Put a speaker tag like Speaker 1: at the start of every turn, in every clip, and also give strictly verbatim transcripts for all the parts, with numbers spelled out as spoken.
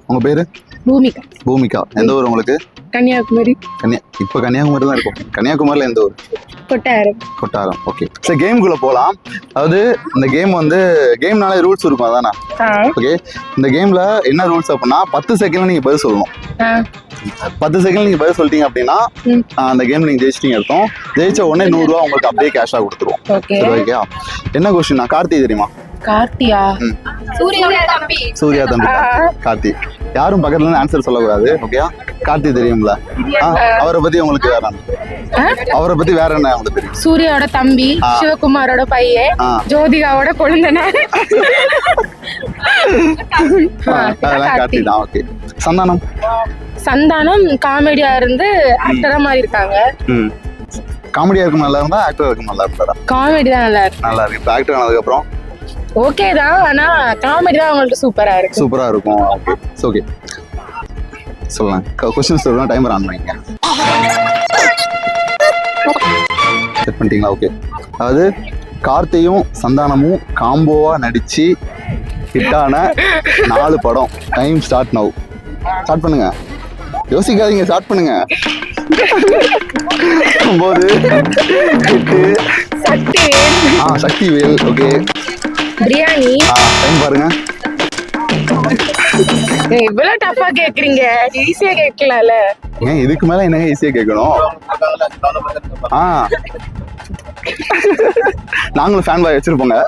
Speaker 1: உங்க பேரு?
Speaker 2: பூமிகா.
Speaker 1: பூமிகா. எந்த ஊர் உங்களுக்கு?
Speaker 2: கன்னியாகுமரி.
Speaker 1: கன்னியா இப்போ கன்னியாகுமரி தான் இருக்கும். கன்னியாகுமரியில் எந்த ஊர்?
Speaker 2: கொட்டாரம்.
Speaker 1: கொட்டாரம். ஓகே. சரி, கேமுக்குள்ள போகலாம். அதாவது இந்த கேம் வந்து கேம்னாலே ரூல்ஸ் இருக்கும் அதானா? ஓகே. இந்த கேம்ல என்ன ரூல்ஸ் அப்படின்னா பத்து செகண்ட்ல நீங்க பதில் சொல்லணும். பத்து செகண்ட் நீங்க பதில் சொல்லிட்டீங்க அப்படின்னா அந்த கேம் நீங்க ஜெயிச்சிட்டீங்க அர்த்தம். ஜெயிச்ச உடனே நூறு ரூபா உங்களுக்கு அப்படியே கேஷா கொடுத்துருவோம். சரி, ஓகே. என்ன கொஸ்டின்? கார்த்தி தெரியுமா?
Speaker 2: கார்த்தியா?
Speaker 3: சூர்யா தம்பி.
Speaker 1: சூர்யா தம்பி. கார்த்தி. யாரும் பக்கத்துல இருந்து ஆன்சர் சொல்லக்கூடாது. ஓகே. கார்த்தி தெரியும்ல? அவரை பத்தி உங்களுக்கு வேற அவரை பத்தி வேற என்ன உங்களுக்கு தெரியும்?
Speaker 2: சூர்யாவோட தம்பி, சிவகுமாரோட பையன், ஜோதிகாவோட கொழுந்தன.
Speaker 1: அதெல்லாம் கார்த்தி தான். ஓகே. சந்தானம்?
Speaker 2: சந்தானம் காமெடியா இருந்து ஆக்டரா மாதிரி இருக்காங்க.
Speaker 1: காமெடியா இருக்கும் நல்லா இருந்தா ஆக்டரா இருக்கும் நல்லா இருந்தா?
Speaker 2: காமெடி தான் நல்லா இருக்கு.
Speaker 1: நல்லா இருக்கு. இப்போ ஆக்டர் ஆனதுக்கு அப்புறம்
Speaker 2: ஓகே தான், ஆனா காமெடி தான் உங்களுக்கு சூப்பரா இருக்கு.
Speaker 1: சூப்பரா இருக்கும். ஓகே. ஓகே, சொல்லலாம். क्वेश्चन சொல்லலாம். டைமர் ஆன் பண்ணிங்க. செட் பண்ணிட்டீங்களா? ஓகே. அதாவது கார்த்தியும் சந்தானமும் காம்போவா நடிச்சு ஹிட்டான நாலு படம். Time start now. ஸ்டார்ட் பண்ணுங்க. யோசிக்காதீங்க, ஸ்டார்ட் பண்ணுங்க. ஒன்பது, எட்டு,
Speaker 2: சக்திவேல்.
Speaker 1: ஆ சக்திவேல். ஓகே.
Speaker 2: பிரியாணி.
Speaker 1: டைம் பாருங்க.
Speaker 2: இவ்வளவு டஃபா கேக்குறீங்க, ஈஸியா கேட்கலாம்ல.
Speaker 1: ஏன் இதுக்கு மேல என்னங்க ஈஸியா கேட்கணும்? ஆ நாங்களும் ஃபேன் பாய் வச்சிருப்போங்க.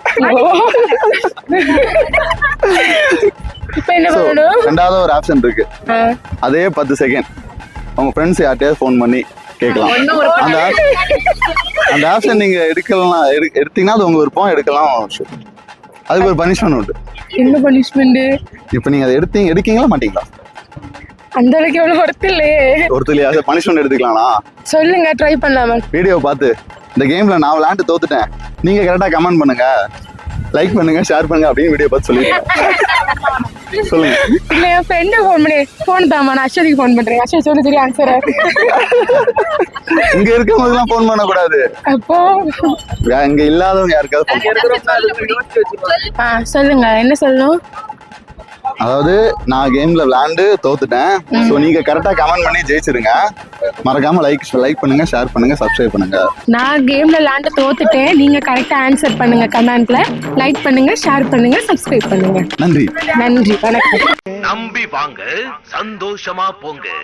Speaker 2: இப்போ என்ன பண்ணணும்?
Speaker 1: ரெண்டாவது ஒரு ஆப்ஷன் இருக்கு. அதே பத்து செகண்ட் உங்க ஃப்ரெண்ட்ஸ் யார்ட்டையாவது ஃபோன் பண்ணி கேட்கலாம். அந்த அந்த ஆப்ஷன் நீங்க எடுக்கலாம், எடுத்தீங்கன்னா அது உங்க விருப்பம். எடுக்கலாம். அதுக்கு ஒரு பனிஷ்மெண்ட் உண்டு.
Speaker 2: என்ன பனிஷ்மெண்ட்?
Speaker 1: இப்போ நீங்க அதை எடுத்தீங்க எடுக்கீங்களா மாட்டீங்களா?
Speaker 2: அந்த அளவுக்கு எவ்வளவு ஒருத்தர் இல்லையே.
Speaker 1: ஒருத்தர் இல்லையா? பனிஷ்மெண்ட் எடுத்துக்கலாம்னா
Speaker 2: சொல்லுங்க, ட்ரை பண்ணலாமா?
Speaker 1: வீடியோ பார்த்து இந்த கேம்ல நான் விளையாண்டு தோத்துட்டேன், நீங்க கரெக்டா கமெண்ட் பண்ணுங்க, லைக் பண்ணுங்க, ஷேர் பண்ணுங்க அப்படின்னு வீடியோ பார்த்து சொல்லிடுங்க. சொல்லுங்க.
Speaker 2: இல்ல, என் ஃப்ரெண்ட் ஃபோன் பண்ணி ஃபோன் தாமா, நான் அஸ்வதிக்கு ஃபோன் பண்றேன். அஸ்வதி சொல்லு, சரி ஆன்சர்.
Speaker 1: இங்க இருக்கவங்க எல்லாம் ஃபோன் பண்ண கூடாது.
Speaker 2: அப்போ
Speaker 1: இங்க இல்லாதவங்க யாருக்காவது ஃபோன்
Speaker 2: ஆ சொல்லுங்க, என்ன சொல்லணும்?
Speaker 1: அதாவது நான் கேம்ல விளையாண்டு தோத்துட்டேன், சோ நீங்க கரெக்டா கமெண்ட் பண்ணி ஜெயிச்சிருங்க. மறக்காம லைக் லைக் பண்ணுங்க, ஷேர் பண்ணுங்க, சப்ஸ்கிரைப் பண்ணுங்க.
Speaker 2: நான் கேம்ல விளையாண்டு தோத்துட்டேன், நீங்க கரெக்டா ஆன்சர் பண்ணுங்க. கமெண்ட்ல லைக் பண்ணுங்க, ஷேர் பண்ணுங்க, சப்ஸ்கிரைப் பண்ணுங்க.
Speaker 1: நன்றி.
Speaker 2: நன்றி. வணக்கம்.
Speaker 4: நம்பி வாங்க, சந்தோஷமா போங்க.